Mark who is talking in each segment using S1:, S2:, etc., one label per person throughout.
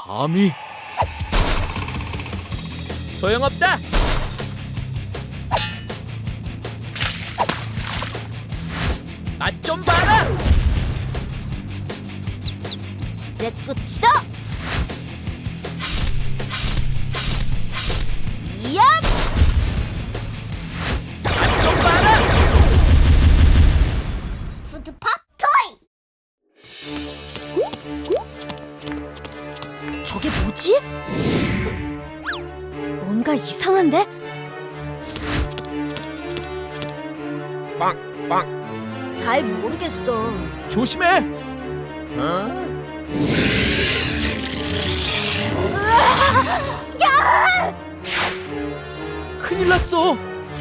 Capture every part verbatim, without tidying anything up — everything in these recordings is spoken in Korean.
S1: 감히. 소용없다. 맛 좀 봐라.
S2: 이제 끝이다. 이야!
S1: 맛 좀 봐라.
S2: 푸드팝 토이. 저게 뭐지? 뭔가 이상한데?
S1: 빵빵.
S2: 잘 모르겠어.
S1: 조심해. 큰일 났어.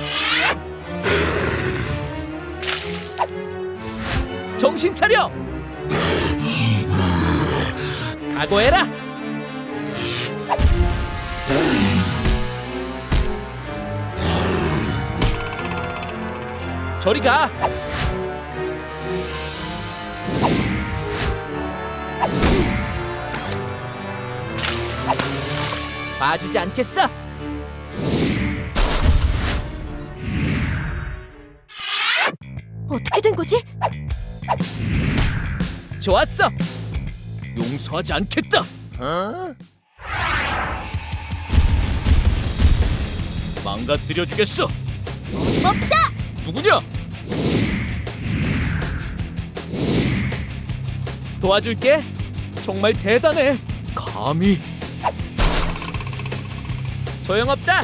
S1: 정신 차려. 각오해라. 저리 가. 봐주지 않겠어.
S2: 어떻게 된 거지?
S1: 좋았어. 용서하지 않겠다. 망가뜨려 주겠어.
S2: 없다.
S1: 누구냐? 도와줄게. 정말 대단해. 감히. 소용없다.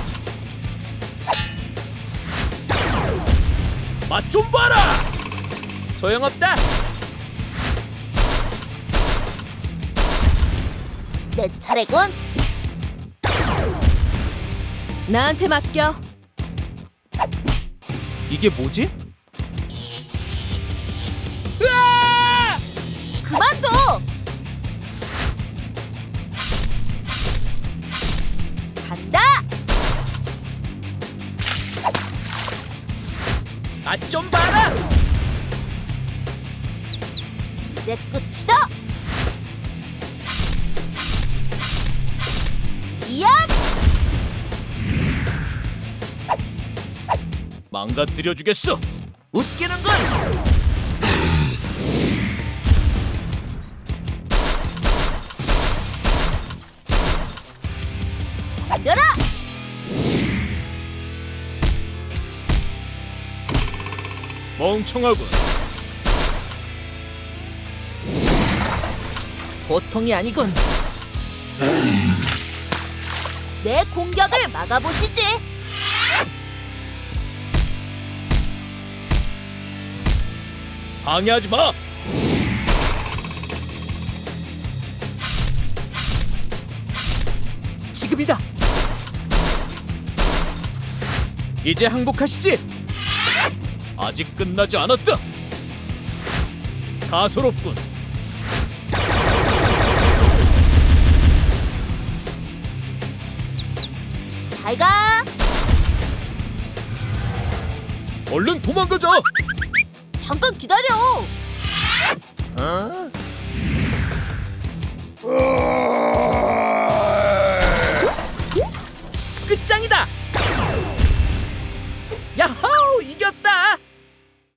S1: 맛 좀 봐라. 소용없다.
S2: 내 차례군. 나한테 맡겨.
S1: 이게 뭐지? 으아!
S2: 그만둬. 간다.
S1: 맛 좀 봐라.
S2: 이제 끝이다. 이야!
S1: 망가뜨려 주겠어. 웃기는군.
S2: 덤벼라.
S1: 멍청하군. 보통이 아니군.
S2: 내 공격을 막아보시지.
S1: 방해하지 마. 지금이다. 이제 항복하시지. 아직 끝나지 않았다. 가소롭군.
S2: 잘 가.
S1: 얼른 도망가자.
S2: 잠깐 기다려.
S1: 어?